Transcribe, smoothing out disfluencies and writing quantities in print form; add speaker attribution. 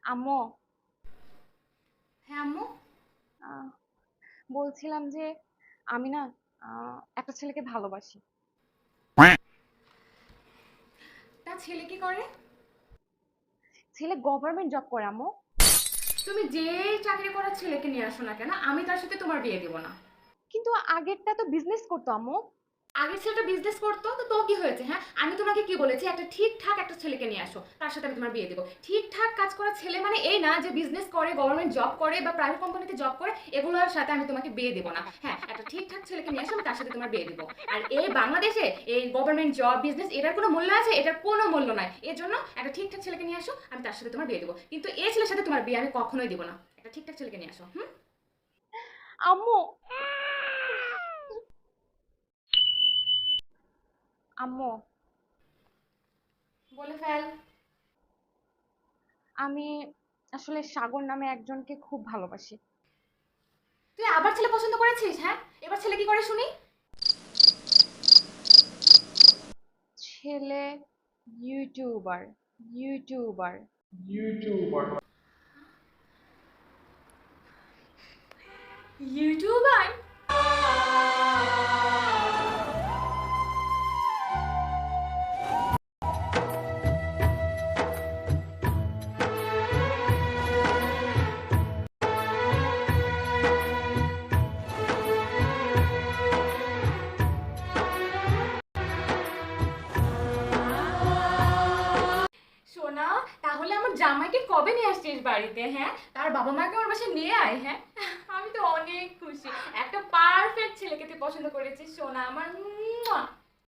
Speaker 1: আম্মু।
Speaker 2: হ্যাঁ আম্মু।
Speaker 1: আহ, বলছিলাম যে আমি না একটা ছেলেকে ভালোবাসি।
Speaker 2: তা ছেলে কি করে?
Speaker 1: ছেলে গভর্নমেন্ট জব করে আম্মু।
Speaker 2: তুমি যে চাকরি করার ছেলেকে নিয়ে আসো না কেন, আমি তার সাথে তোমার বিয়ে দিব না।
Speaker 1: কিন্তু আগেরটা তো বিজনেস করতো আম্মু।
Speaker 2: আগের ছেলেটা বিজনেস করতো তো কি হয়েছে? হ্যাঁ, আমি তোমাকে কি বলেছি, একটা ঠিকঠাক একটা ছেলেকে নিয়ে আসো, তার সাথে আমি তোমার বিয়ে দেবো। ঠিকঠাক কাজ করা ছেলে মানে এই না যে বিজনেস করে, গভর্নমেন্ট জব করে বা প্রাইভেট কোম্পানিতে জব করে, এগুলোর সাথে আমি তোমাকে বিয়ে দেবো না। হ্যাঁ, একটা ঠিকঠাক ছেলেকে নিয়ে আসো, আমি তার সাথে তোমার বিয়ে দেবো। আর এই বাংলাদেশে এই গভর্নমেন্ট জব বিজনেস এটার কোনো মূল্য আছে? এটার কোনো মূল্য নাই। এর জন্য একটা ঠিকঠাক ছেলেকে নিয়ে আসো, আমি তার সাথে তোমার বিয়ে দেবো। কিন্তু এই ছেলের সাথে তোমার বিয়ে আমি কখনোই দেবো না। একটা ঠিকঠাক ছেলেকে নিয়ে আসো। হুম।
Speaker 1: আম্মু, আম্মু,
Speaker 2: বলে ফেল।
Speaker 1: আমি আসলে সাগর নামে একজনকে খুব ভালোবাসি।
Speaker 2: তুই আবার ছেলে পছন্দ করেছিস? হ্যাঁ, এবার ছেলে কি করে শুনি।
Speaker 1: ছেলে ইউটিউবার, ইউটিউবার।
Speaker 2: ইউটিউবার? সোনা, তাহলে আমার জামাইকে কবে নিয়ে আসছিস বাড়িতে? হ্যাঁ, তার বাবা মাকে আমার বাসায় নিয়ে আয়। হ্যাঁ, আমি তো অনেক খুশি। একটা পারফেক্ট ছেলেকে তুই পছন্দ করেছিস সোনা আমার।